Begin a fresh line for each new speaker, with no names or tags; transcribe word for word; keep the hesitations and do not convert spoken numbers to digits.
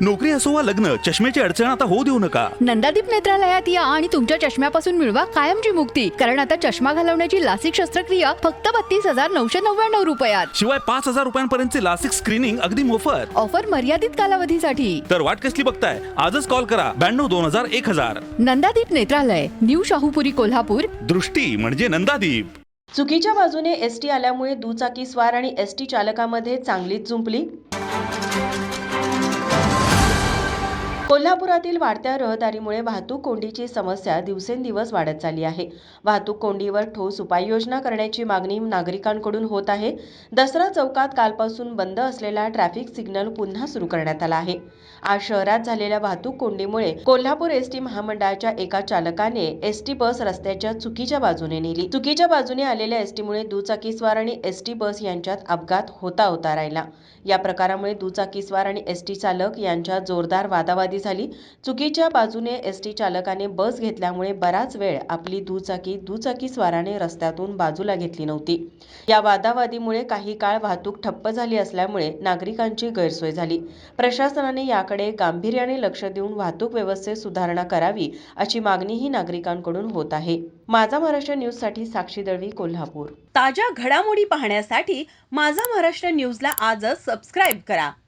नोकरी असो वा लग्न, चष्म्याची अडचण आता होऊ देऊ नका.
नंदादीप नेत्रालयात या आणि तुमच्या चष्म्यापासून मिळवा कायमची मुक्ती. कारण आता चष्मा घालवण्याची लासिक शस्त्रक्रिया फक्त बत्तीस हजार नऊशे नव्याण्णव रुपयात.
शिवाय पाच हजार रुपयांपर्यंतचे लासिक स्क्रीनिंग अगदी मोफत.
ऑफर मर्यादित कालावधीसाठी.
तर वाट कसली बघताय, आजच कॉल करा ब्याण्णव दोन हजार एक हजार.
नंदादीप नेत्रालय, न्यू शाहूपुरी, कोल्हापूर.
दृष्टी म्हणजे नंदादीप.
चुकीच्या बाजूने एसटी आल्यामुळे दुचाकी स्वार आणि एसटी चालकामध्ये चांगलीच जुंपली. कोल्हापुरातील वाढत्या रहदारीमुळे वाहतूक कोंडीची समस्या दिवसेंदिवस वाढत चालली आहे. वाहतूक कोंडीवर ठोस उपाययोजना करण्याची मागणी नागरिकांकडून होत आहे. दसरा चौकात कालपासून बंद असलेला ट्रॅफिक सिग्नल पुन्हा सुरू करण्यात आला आहे. आज शहरात झालेल्या वाहतूक कोंडीमुळे कोल्हापूर एसटी महामंडळाच्या एका चालकाने एसटी बस रस्त्याच्या चुकीच्या बाजूने नेली. चुकीच्या बाजूने आलेल्या एसटीमुळे दुचाकीस्वार आणि एसटी बस यांच्यात अपघात होता होता राहिला. या प्रकारामुळे दुचाकीस्वार आणि एसटी चालक यांच्यात जोरदार वादावादी झाली. चुकीच्या बाजूने एसटी चालकाने बस घेतल्यामुळे बराच वेळ आपली दुचाकी दुचाकीस्वाराने रस्त्यातून बाजूला घेतली नव्हती. या वादावादीमुळे काही काळ वाहतूक ठप्प झाली असल्यामुळे नागरिकांची गैरसोय झाली. प्रशासनाने याकडे गांभीर्याने लक्ष देऊन वाहतूक व्यवस्थेत सुधारणा करावी अशी मागणीही नागरिकांकडून होत आहे. माझा महाराष्ट्र न्यूज साठी साक्षी दळवी, कोल्हापूर. ताज्या घडामोडी पाहण्यासाठी माझा महाराष्ट्र न्यूजला आजच सबस्क्राईब करा.